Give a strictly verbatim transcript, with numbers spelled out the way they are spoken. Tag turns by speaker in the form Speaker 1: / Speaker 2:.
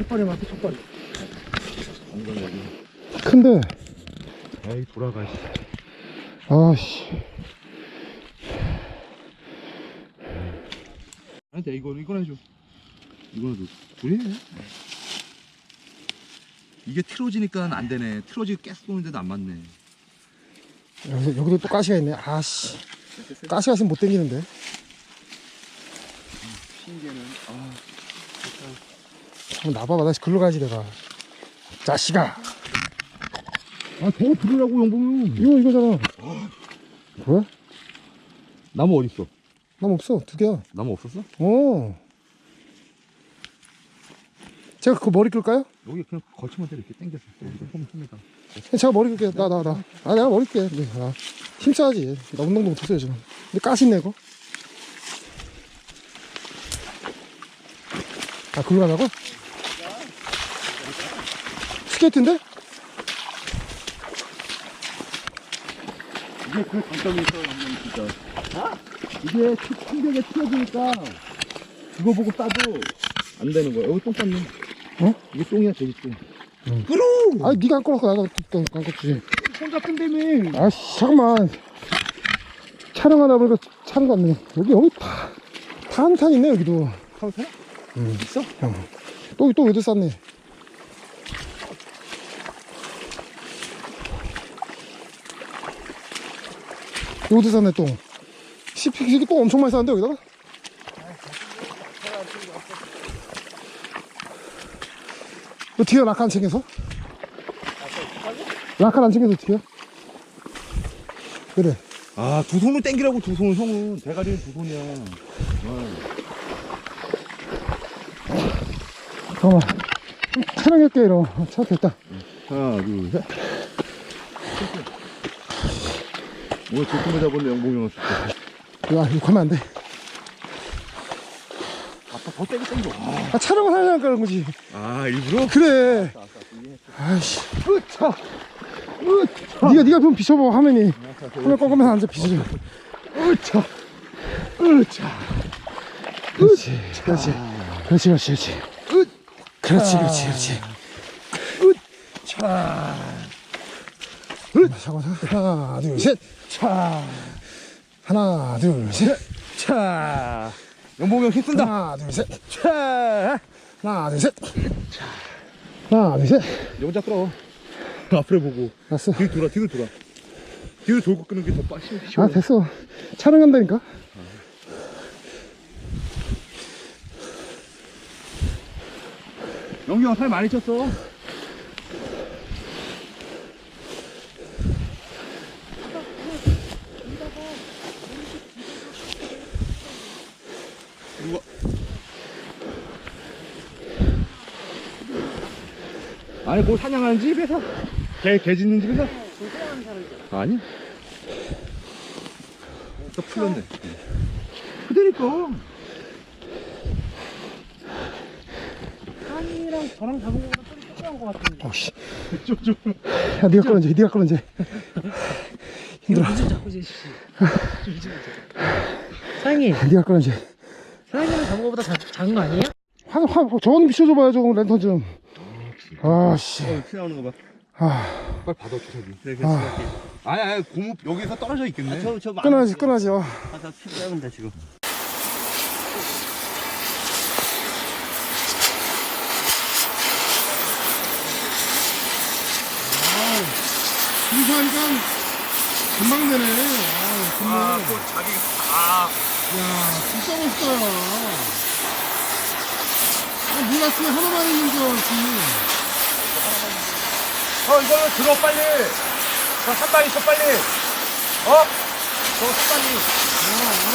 Speaker 1: 첫발에 맞게 첫발.
Speaker 2: 큰데.
Speaker 1: 에이 돌아가.
Speaker 2: 아씨.
Speaker 1: 안돼 이거는 이거는 해줘. 이거는 줘. 그래. 이게 틀어지니까 안 되네. 틀어지 계속 쏘는데도 안 맞네.
Speaker 2: 여기, 여기도 또 가시가 있네. 아씨. 가시가 있으면 못 당기는데.
Speaker 1: 핑계는 아.
Speaker 2: 한번 나봐봐. 다시 글로 가야지 내가. 자식아.
Speaker 1: 아 저거 들으라고 영봉이.
Speaker 2: 이거 이거잖아. 뭐야?
Speaker 1: 나무 어디 있어?
Speaker 2: 나무 없어. 두 개야.
Speaker 1: 나무 없었어?
Speaker 2: 어. 제가 그 머리 끌까요?
Speaker 1: 여기 그냥 걸치면 돼. 이렇게 당겨서 여기다 홈 홈에다.
Speaker 2: 제가 머리 끌게. 나 나 나. 아 내가 머리 끌게. 네, 아, 힘써야지. 나 운동도 못했어요 지금. 근데 까신네 이거. 아 글로 가자고? 스케이트인데?
Speaker 1: 이게 그 장점이 있어 영봉이 진짜. 아? 이게 충격에 튀어지니까 그거 보고 따도 안 되는 거야. 여기 똥 쌌네.
Speaker 2: 어?
Speaker 1: 이게 똥이야 저기 똥.
Speaker 2: 응.
Speaker 1: 끌어!
Speaker 2: 아니 니가 안 끌었어. 나가 안 끌었지.
Speaker 1: 혼자 끈다며.
Speaker 2: 아씨 잠깐만. 촬영하다 보니까 차는 거 같네. 여기 여기 다 탄탄 있네 여기도.
Speaker 1: 카운터?
Speaker 2: 응.
Speaker 1: 있어?
Speaker 2: 형. 또 또 여기도 쌌네. 여기도 쌌네 똥. 시피기 똥 엄청 많이 쌌는데 여기다가? 너 뒤에 라카 안 챙겨서? 라카 안 챙겨서 뒤에? 그래.
Speaker 1: 아, 두 손으로 땡기라고 두 손, 형은. 대가리는 두 손이야.
Speaker 2: 잠깐만. 촬영할게, 이러. 차 됐다.
Speaker 1: 하나, 둘, 셋. 오늘 조금을 잡았네, 영봉이 형.
Speaker 2: 야, 욕하면 안 돼.
Speaker 1: 아빠 더 땡겨, 땡겨. 아,
Speaker 2: 아, 촬영을 하려니까 그런 거지.
Speaker 1: 아 일부러?
Speaker 2: 그래. 아이씨.
Speaker 1: 으차! 으차!
Speaker 2: 니가, 니가 좀 비춰봐, 화면이. 화면 꺾으면서 앉아, 비춰줘.
Speaker 1: 으차! 으차!
Speaker 2: 그렇지. 그렇지. 그렇지, 그렇지, 그렇지.
Speaker 1: 으!
Speaker 2: 그렇지, 그렇지, 그렇지.
Speaker 1: 차!
Speaker 2: 잠깐만, 하나, 둘, 셋.
Speaker 1: 차!
Speaker 2: 하나, 둘, 셋.
Speaker 1: 차! 영봉이 형 힘쓴다!
Speaker 2: 하나, 둘, 셋.
Speaker 1: 차!
Speaker 2: 하나, 둘, 셋. 하나, 둘, 셋.
Speaker 1: 너 혼자 끌어. 앞으로 보고.
Speaker 2: 알았어.
Speaker 1: 뒤로 돌아, 뒤로 돌아. 뒤로 돌고 끄는 게 더 빨리
Speaker 2: 아, 됐어. 촬영한다니까.
Speaker 1: 영기 형 살 많이 쳤어. 누가? 아니 뭐 사냥하는 집에서? 개, 개 짖는 집에서? 아니야. 또 풀렸네. 그대니까.
Speaker 3: 산이랑 저랑 잡은 거보다 좀 조그만 거 같은데.
Speaker 2: 어씨.
Speaker 1: 좀, 좀.
Speaker 2: 야, 니가 끌어줘. 니가 끌어줘. 힘들어.
Speaker 3: 좀 잡고 제시. 사장님,
Speaker 2: 니가 끌어줘.
Speaker 3: 사장님은 잡은 거보다 자, 작은 거 아니에요?
Speaker 2: 화, 화, 저건 비춰줘봐요, 저건 랜턴 좀. 아, 씨.
Speaker 1: 어, 피 나오는 거 봐.
Speaker 2: 아,
Speaker 1: 빨리 받아 주사기. 그래, 그래,
Speaker 2: 아.
Speaker 1: 아니, 아니, 고무 여기서 떨어져 있겠네.
Speaker 3: 저, 저
Speaker 2: 끊어야지, 끊어야지. 어.
Speaker 3: 가서 피 빼면 돼, 지금.
Speaker 2: 이거 하니까 금방 되네. 아, 금방.
Speaker 1: 또 자기, 아.
Speaker 2: 야, 진짜 멋있다. 아, 몰랐으면 하나만 있는 줄 알았지.
Speaker 1: 어, 이거는 들어, 빨리. 저 산발 있어, 빨리. 어? 저 산발이.
Speaker 2: 아,